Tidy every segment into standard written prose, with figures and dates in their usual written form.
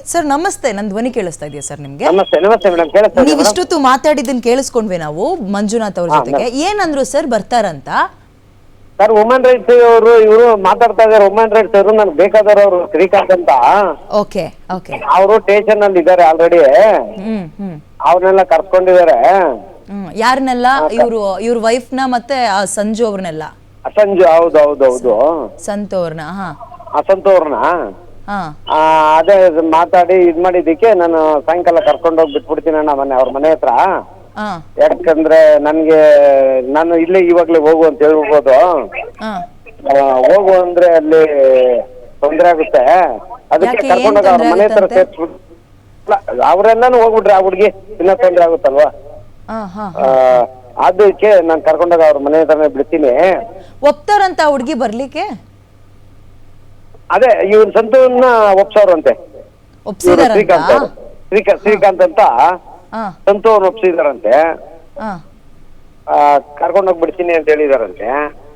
Sir ನಮಸ್ತೆ, ನನ್ನ ಧ್ವನಿ ಕೇಳಿಸ್ತಾ ಇದೆಯಾ ಸರ್ ನಿಮ್ಗೆ? ನಮಸ್ತೆ ನಮಸ್ತೆ ಮೇಡಮ್, ಕೇಳಿಸ್ತಾ ಇದೆ. ನೀವು ಇಷ್ಟೊತ್ತು ಮಾತಾಡಿದ್ದನ್ನ ಕೇಳಿಸ್ಕೊಂಡ್ವಿ ನಾವು ಮಂಜುನಾಥ್ ಅವ್ರ ಜೊತೆಗೆ. ಏನಂದ್ರು ಸರ್ ಬರ್ತಾರಂತ? ಸರ್ ವುಮನ್ ರೈಟ್ಸ್ ಇವರು ಮಾತಾಡ್ತಾ ಇದಾರೆ. ವುಮನ್ ರೈಟ್ಸ್ ಅವರು ನನ್ಗೆ ಬೇಕಾದವರು ಶ್ರೀಕಾಂತ್ ಅಂತ, ಓಕೆ ಓಕೆ, ಅವರು ಸ್ಟೇಷನ್ ಅಲ್ಲಿ ಇದ್ದಾರೆ ಆಲ್ರೆಡಿ. ಅವ್ರನ್ನೆಲ್ಲ ಕರ್ಕೊಂಡಿದ್ದಾರೆ. ಯಾರನ್ನೆಲ್ಲ? ಇವ್ರ ವೈಫ್ ನ ಮತ್ತೆ ಆ ಸಂಜು ಅವ್ರನ್ನೆಲ್ಲ? ಸಂಜು, ಹೌದು ಹೌದು ಹೌದು, ಸಂತು ಅವ್ರನ್ನ. ಸಂತು ಅವ್ರನ್ನ ಅದೇ ಮಾತಾಡಿ ಇದ್ ಮಾಡಿದ್ದಕ್ಕೆ ನಾನು ಸಾಯಂಕಾಲ ಕರ್ಕೊಂಡೋಗಿ ಬಿಟ್ಬಿಡ್ತೀನಿ ಅಣ್ಣ ಮೊನ್ನೆ ಅವ್ರ ಮನೆ ಹತ್ರ. ಯಾಕಂದ್ರೆ ನಾನು ಇಲ್ಲೇ ಇವಾಗ್ಲೇ ಹೋಗು ಅಂತ ಹೇಳ್ಬೋದು. ಹೋಗು ಅಂದ್ರೆ ಅಲ್ಲಿ ತೊಂದ್ರೆ ಆಗುತ್ತೆ, ಅದಕ್ಕೆ ಕರ್ಕೊಂಡೋಗ ಅವ್ರ ಮನೆ ಹತ್ರ ಸೇರ್ಸ್ಬಿಟ್ಟು ಅವ್ರೆಲ್ಲಾನು ಹೋಗ್ಬಿಟ್ರೆ ಆ ಹುಡ್ಗಿ ಇನ್ನ ತೊಂದ್ರೆ ಆಗುತ್ತಲ್ವಾ, ಅದಕ್ಕೆ ನಾನ್ ಕರ್ಕೊಂಡೋಗ ಅವ್ರ ಮನೆ ಹತ್ರನೇ ಬಿಡ್ತೀನಿ. ಒಪ್ತಾರಂತ ಹುಡ್ಗಿ ಬರ್ಲಿಕ್ಕೆ? ಅದೇ ಇವ್ರ ಸಂತೂರ್ನ ಒಪ್ಸವ್ರಂತೆ, ಶ್ರೀಕಾಂತ್ ಅಂತ ಸಂತು ಅವ್ರು ಒಪ್ಸಿದಾರಂತೆ. ಕರ್ಕೊಂಡೋಗಿ ಬಿಡ್ತೀನಿ ಅಂತ ಹೇಳಿದಾರಂತೆ.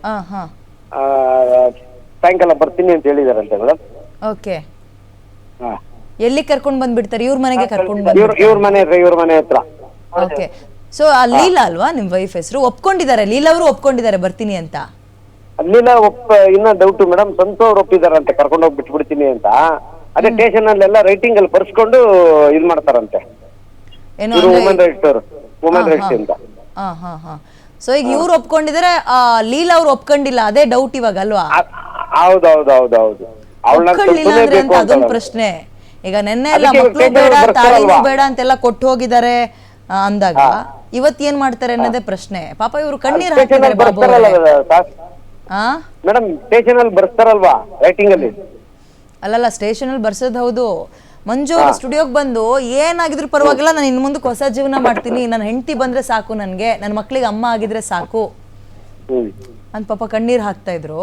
ಸಾಯಂಕಾಲ ಬರ್ತೀನಿ ಅಂತ ಹೇಳಿದಾರಂತೆ ಮೇಡಮ್. ಓಕೆ, ಎಲ್ಲಿ ಕರ್ಕೊಂಡ್ ಬಂದ್ಬಿಡ್ತಾರೆ? ಇವ್ರ ಮನೆಗೆ ಕರ್ಕೊಂಡ್ ಇವ್ರ ಮನೆ ಹತ್ರ. ಓಕೆ, ಸೊ ಆ ಲೀಲಾ ಅಲ್ವಾ ನಿಮ್ ವೈಫ್ ಹೆಸರು? ಒಪ್ಕೊಂಡಿದ್ದಾರೆ, ಲೀಲಾ ಅವರು ಒಪ್ಕೊಂಡಿದ್ದಾರೆ ಬರ್ತೀನಿ ಅಂತ? ಲೀಲಾ ಇನ್ನ ಡೌಟ್ ಮೇಡಮ್. ಸಂತು ಅವ್ರು ಒಪ್ಪಿದಾರಂತೆ ಕರ್ಕೊಂಡೋಗಿ ಬಿಟ್ಬಿಡ್ತೀನಿ ಅಂತ. ಅದೇ ಸ್ಟೇಷನ್ ಅಲ್ಲೆಲ್ಲ ರೈಟಿಂಗ್ ಅಲ್ಲಿ ಬರ್ಸ್ಕೊಂಡು ಇದ್ ಮಾಡ್ತಾರಂತೆ. ವುಮನ್ ರೈಟ್ಸ್ ಅಂತ. ಸೊ ಈಗ ಇವ್ರು ಒಪ್ಕೊಂಡಿದ್ದಾರೆ, ಲೀಲಾ ಅವ್ರು ಒಪ್ಕೊಂಡಿಲ್ಲ, ಅದೇ ಡೌಟ್ ಇವಾಗ ಅಲ್ವಾ? ಹೌದೌದೌದೌದು, ಅದೊಂದು ಪ್ರಶ್ನೆ. ಈಗ ನೆನ್ನೆ ಎಲ್ಲ ಮಕ್ಳು ಬೇಡ ತಾಳಿನೂ ಬೇಡ ಅಂತೆಲ್ಲ ಕೊಟ್ಟು ಹೋಗಿದ್ದಾರೆ ಅಂದಾಗ ಇವತ್ ಏನ್ ಮಾಡ್ತಾರೆ ಅನ್ನೋದೇ ಪ್ರಶ್ನೆ. ಪಾಪ ಇವ್ರು ಕಣ್ಣೀರ್ ಹಾಕಿದ್ದಾರೆ ಬಾಬು. ಮೇಡಮ್ ಸ್ಟೇಷನ್ ಅಲ್ಲಿ ಬರ್ಸ್ತಾರಲ್ವಾ ರೈಟಿಂಗ್ ಅಲ್ಲಿ? ಅಲ್ಲಲ್ಲ, ಸ್ಟೇಷನ್ ಅಲ್ಲಿ ಬರ್ಸೋದ್ ಹೌದು. ಮಂಜು ಅವ್ರ ಸ್ಟುಡಿಯೋಗೆ ಬಂದು ಏನಾಗಿದ್ರು ಪರವಾಗಿಲ್ಲ, ನಾನು ಇನ್ ಮುಂದಕ್ಕೆ ಹೊಸ ಜೀವನ ಮಾಡ್ತೀನಿ, ನನ್ನ ಹೆಂಡತಿ ಬಂದ್ರೆ ಸಾಕು, ನನ್ಗೆ ನನ್ನ ಮಕ್ಳಿಗೆ ಅಮ್ಮ ಆಗಿದ್ರೆ ಸಾಕು ಅಂತ ಪಾಪ ಕಣ್ಣೀರ್ ಹಾಕ್ತಾ ಇದ್ರು.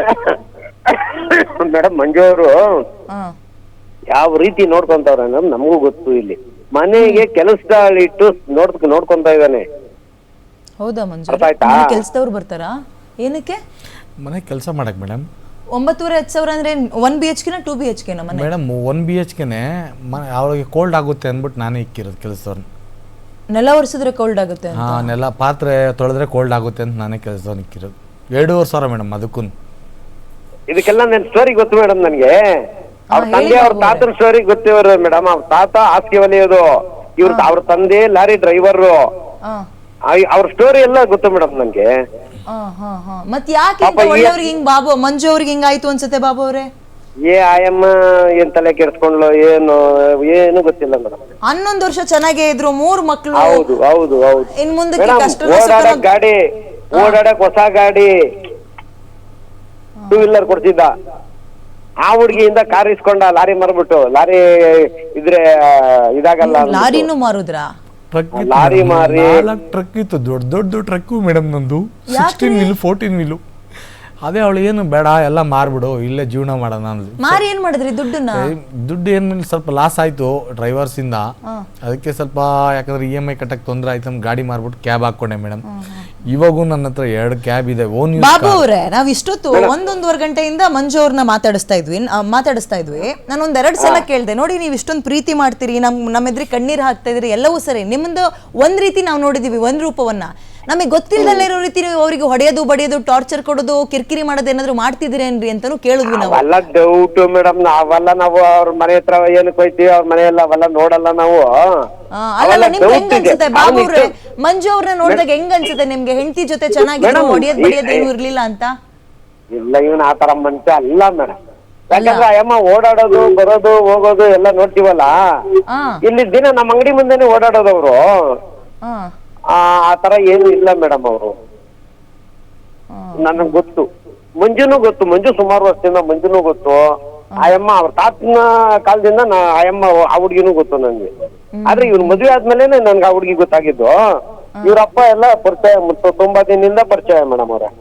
ಮೇಡಮ್ ಮಂಜು ಅವರು ಯಾವ ರೀತಿ ನೋಡ್ಕೊಂತವ್ರ ನಮಗೂ ಗೊತ್ತು. ಇಲ್ಲಿ ಮನೆಗೆ ಕೆಲಸದಲ್ಲಿಟ್ಟು ನೋಡ್ಕೊಂತ ಇದ್ದಾನೆ. ಹೌದಾ ಮಂಜು? ಕೆಲ್ಸದವ್ರು ಬರ್ತಾರಾ ಏನಕ್ಕೆ? ಮನೆ ಕೆಲಸ ಮಾಡಕ್ ಮೇಡಮ್. 9,500 ಅಂದ್ರೆ 1 BHK 2 BHK ಮನೆ? ಮೇಡಮ್ 1 BHK ಅವ್ರಿಗೆ ಕೋಲ್ಡ್ ಆಗುತ್ತೆ ಅಂದ್ಬಿಟ್ಟು ನಾನೇ ಇಕ್ಕಿರೋದು ಕೆಲಸದವ್ರನ್ನ. ನೆಲ ಒರೆಸಿದ್ರೆ ಕೋಲ್ಡ್ ಆಗುತ್ತೆ ಅಂತ? ನೆಲ ಪಾತ್ರೆ ತೊಳೆದ್ರೆ ಕೋಲ್ಡ್ ಆಗುತ್ತೆ ಅಂತ ನಾನೇ ಕೆಲಸದವ್ರನ್ನ ಇಕ್ಕಿರೋದು. 2,500 ಮೇಡಮ್ ಅದಕ್ಕೂ. ಇದಕ್ಕೆಲ್ಲ ನನ್ನ ಸ್ಟೋರಿ ಗೊತ್ತು ಮೇಡಮ್ ನನಗೆ. ಅವ್ರ ತಂದೆ ಅವ್ರ ತಾತನ ಸ್ಟೋರಿ ಗೊತ್ತಿವ್ರು ಮೇಡಮ್. ಅವ್ರ ತಾತ ಹಾಸಿಗೆ ಹೊಲಿಯೋದು, ಅವ್ರ ತಂದೆ ಲಾರಿ ಡ್ರೈವರ್, ಅವ್ರ ಸ್ಟೋರಿ ಎಲ್ಲ ಗೊತ್ತು ಮೇಡಮ್ ನನ್ಗೆ. ಮತ್ ಯಾಕೆ ಒಳ್ಳೆಯವ್ರಿಗೆ ಹಿಂಗ್ ಬಾಬು ಮಂಜು ಅವ್ರಿಗೆ ಹಿಂಗಾಯ್ತು ಅನ್ಸುತ್ತೆ ಬಾಬು ಅವ್ರೆ? ಆಯಮ್ಮ ಏನ್ ತಲೆ ಕೆಡ್ಸ್ಕೊಂಡ್ಲು ಏನು ಗೊತ್ತಿಲ್ಲ ಮೇಡಮ್. 11 ವರ್ಷ ಚೆನ್ನಾಗೇ ಇದ್ರು, 3 ಮಕ್ಳು. ಹೌದು ಹೌದು ಹೌದು. ಇನ್ ಮುಂದಕ್ಕೆ ಓಡಾಡಕ್ ಗಾಡಿ, ಓಡಾಡಕ್ ಹೊಸ ಗಾಡಿ 2 ವೀಲರ್ ಕೊಡ್ತಿದ್ದ. ಆ ಹುಡ್ಗಿಯಿಂದ ಕಾರ್ ಇಸ್ಕೊಂಡ, ಲಾರಿ ಮಾರ್ಬಿಟ್ಟು. ಲಾರಿ ಇದ್ರೆ ಇದಾಗಲ್ಲ, ಲಾರಿನೂ ಮಾರುದ್ರಾ? ಲಾರಿ ಮಾರಿ ಟ್ರಕ್ ಇತ್ತು, ದೊಡ್ಡ ಟ್ರಕ್ಕು ಮೇಡಮ್ ನಂದು. 16 ವೀಲು 14 ವೀಲು. ಅದೇ ಅವಳು ಏನು ಬೇಡ ಎಲ್ಲ ಮಾರ್ಬಿಡು, ಇಲ್ಲೇ ಜೀವನ ಮಾಡೋಣ ಅಂದ್ಲು. ಮಾರಿ ಏನ್ ಮಾಡಿದ್ರಿ ದುಡ್ಡನ್ನ? ದುಡ್ಡು ಏನು ಸ್ವಲ್ಪ ಲಾಸ್ ಆಯ್ತು ಡ್ರೈವರ್ಸ್ ಇಂದ. ಅದಕ್ಕೆ ಸ್ವಲ್ಪ ಯಾಕಂದ್ರೆ EMI ಕಟ್ಟಕ್ ತೊಂದ್ರೆ ಆಯ್ತು, ಗಾಡಿ ಮಾರ್ಬಿಟ್ಟು ಕ್ಯಾಬ್ ಹಾಕೊಂಡೆ ಮೇಡಮ್. ಇವಾಗೂ ನನ್ನ ಹತ್ರ 2 ಕ್ಯಾಬ್ ಇದೆ. ಓನ್ ಬಾಬು ಅವ್ರೆ, ನಾವ್ ಇಷ್ಟೊತ್ತು 1-1.5 ಗಂಟೆಯಿಂದ ಮಂಜು ಅವ್ರನ್ನ ಮಾತಾಡಿಸ್ತಾ ಇದ್ವಿ. ನಾನು 2 ಸಲ ಕೇಳ್ದೆ, ನೋಡಿ ನೀವು ಇಷ್ಟೊಂದು ಪ್ರೀತಿ ಮಾಡ್ತೀರಿ, ನಮ್ಮ ಎದುರಿಗೆ ಕಣ್ಣೀರ್ ಹಾಕ್ತಾ ಇದ್ರಿ, ಎಲ್ಲವೂ ಸರಿ. ನಿಮ್ಮದು ಒಂದ್ ರೀತಿ ನಾವು ನೋಡಿದೀವಿ, ಒಂದ್ ರೂಪವನ್ನ. ನಮಗೆ ಗೊತ್ತಿಲ್ಲದಲ್ಲೇ ಇರೋ ರೀತಿ ನೀವು ಅವರಿಗೆ ಹೊಡೆಯೋದು ಬಡಿಯೋದು ಟಾರ್ಚರ್ ಕೊಡೋದು ಕಿರಿಕಿರಿ ಮಾಡೋದು ಏನಾದ್ರು ಮಾಡ್ತಿದ್ದೀರೇನ್ರಿ ಅಂತಾನು ಕೇಳಿದ್ವಿ ನಾವು. ಅವೆಲ್ಲ ಡೌಟ್ ಮೇಡಮ್. ನಾವು ಅವ್ರ ಮನೆ ಹತ್ರ ಏನಕ್ಕೆ ಹೋಯ್ತೀವಿ, ಅವ್ರ ಮನೆಯೆಲ್ಲ ಅವೆಲ್ಲ ನೋಡಲ್ಲ ನಾವು. ಅಲ್ಲ ನಿಮ್ಗೆ ಹೆಂಗ್ ಅನ್ಸುತ್ತೆ ಬಾಬು ಅವ್ರೆ, ಮಂಜು ಅವ್ರನ್ನ ನೋಡಿದಾಗ ಹೆಂಗ್ ಅನ್ಸುತ್ತೆ ನಿಮ್ಗೆ? ಹೆಂಡತಿ ಜೊತೆ ಚೆನ್ನಾಗಿದ್ರು, ಹೊಡಿಯೋದ್ ಬಡಿಯೋದು ಏನು ಇರ್ಲಿಲ್ಲ ಅಂತ? ಇಲ್ಲ, ಇವನ್ ಆತರ ಮನುಷ್ಯ ಅಲ್ಲ ಮೇಡಮ್. ಯಾಕಂದ್ರೆ ಅಯ್ಯಮ್ಮ ಓಡಾಡೋದು ಬರೋದು ಹೋಗೋದು ಎಲ್ಲ ನೋಡ್ತೀವಲ್ಲ. ಇಲ್ಲಿ ದಿನ ನಮ್ಮ ಅಂಗಡಿ ಮುಂದೆನೆ ಓಡಾಡೋದವ್ರು. ಆ ತರ ಏನು ಇಲ್ಲ ಮೇಡಮ್ ಅವರು. ನನಗ್ ಗೊತ್ತು, ಮಂಜುನು ಗೊತ್ತು. ಮಂಜು ಸುಮಾರು ವರ್ಷದಿಂದ ಮಂಜುನು ಗೊತ್ತು. ಆಯಮ್ಮ ಅವ್ರ ತಾತನ ಕಾಲದಿಂದ ಆಯಮ್ಮ ಆ ಹುಡ್ಗಿನೂ ಗೊತ್ತು ನನ್ಗೆ. ಆದ್ರೆ ಇವ್ರ ಮದ್ವೆ ಆದ್ಮೇಲೆ ನನ್ಗೆ ಆ ಹುಡ್ಗಿ ಗೊತ್ತಾಗಿದ್ದು. ಇವ್ರಪ್ಪ ಎಲ್ಲ ಪರಿಚಯ 90 ದಿನದಿಂದ ಪರಿಚಯ ಮೇಡಮ್ ಅವ್ರ.